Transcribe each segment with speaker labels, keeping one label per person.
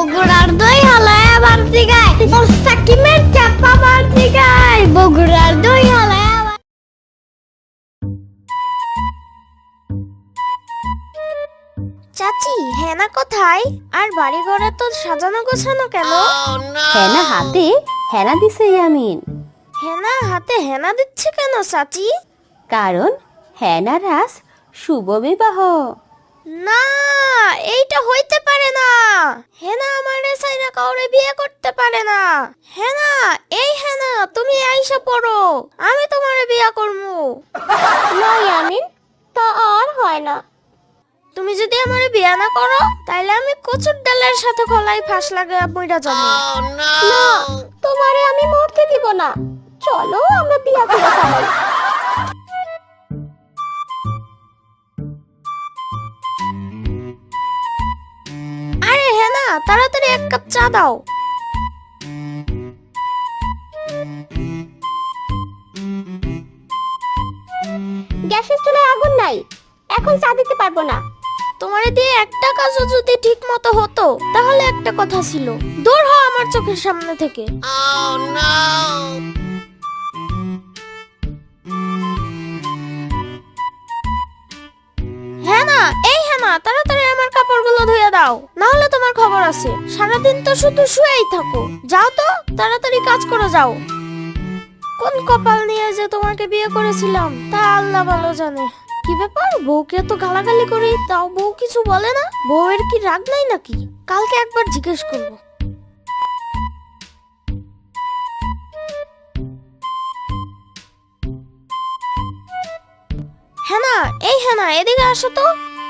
Speaker 1: বগুড়ার দই হালায় আবার দিগায় মোস্তাকিমের চাপা আবার দিগায় বগুড়ার দই হালায় আবার।
Speaker 2: চাচি হেনা কোথায়? আর বাড়ি ঘরে তো সাজানো গোছানো কেন?
Speaker 3: হেনা হাতে হেনা দিছে ইয়ামিন।
Speaker 2: হেনা হাতে হেনা দিচ্ছে কেন চাচি?
Speaker 3: কারণ হেনার আজ শুভ বিবাহ।
Speaker 2: না, এইটা হইতে পারে না। হেনা আমারে চাইরা কাউরে বিয়ে করতে পারে না। হেনা, এই হেনা তুমি আইসা পড়ো, আমি তোমারে বিয়ে করবো।
Speaker 3: না ইয়ামিন, তা আর হয় না।
Speaker 2: তুমি যদি আমারে বিয়ে না করো তাইলে আমি কচুর ডালের সাথে গলায় ফাঁস লাগায় মইরা যাবো।
Speaker 3: না, তোমারে আমি মরতে দিব না। চলো আমরা বিয়ে করে ফেলাই।
Speaker 2: আরে হেনা, তাড়াতাড়ি এক কাপ চা দাও।
Speaker 3: গ্যাসের চুলায় আগুন নাই, এখন চা দিতে পারবো না।
Speaker 2: তোমারে দিয়ে একটা কাজও যদি ঠিক মতো হতো তাহলে একটা কথা ছিল। দূর হও আমার চোখের সামনে থেকে। হেনা, এই হেনা তাড়াতাড়ি আমার কাপড়গুলো ধুয়ে দাও, না হলে তোমার খবর আছে। সারাদিন তো শুধু শুয়েই থাকো। যাও তো, তাড়াতাড়ি কাজ করে যাও। কোন কপাল নিয়ে যে তোমাকে বিয়ে করেছিলাম তা আল্লাহ ভালো জানে। কি ব্যাপার, বউকে তো গালাগালি করি তাও বউ কিছু বলে না? বউয়ের কি রাগ নাই নাকি? কালকে একবার জিজ্ঞেস করবো। হেনা, এই হেনা এদিকে আসো তো।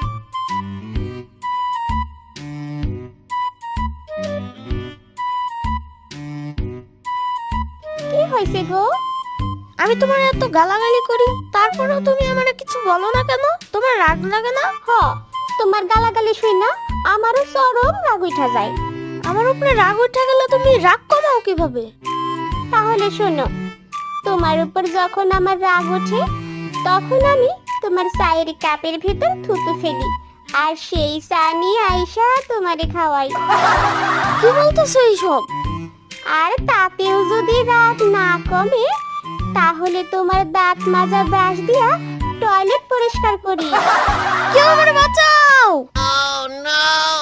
Speaker 3: কি হয়েছে গো?
Speaker 2: আমি তোমার এত গালাগালি করি তারপরেও তুমি আমারে কিছু বলো না কেন? তোমার রাগ লাগে না?
Speaker 3: হ, তোমার গালাগালি শুই না আমারও চরম রাগ উঠা যায়।
Speaker 2: আমার উপরে রাগ উঠে গেলে তুমি রাগ কমাও কিভাবে?
Speaker 3: তাহলে শোনো, তোমার উপর যখন আমার রাগ ওঠে তখন আমি তোমার চায়ের কাপের ভিতর থুতু ফেলি, আর সেই চা নিয়ে আইসা তোমারে খাওয়াই।
Speaker 2: কি বলতেছো এইসব?
Speaker 3: আর তাতেও যদি রাগ না কমে তাহলে তোমার দাঁত মাজা ব্রাশ দিয়া টয়লেট পরিষ্কার করি।
Speaker 2: কেউ আমারে বাঁচাও!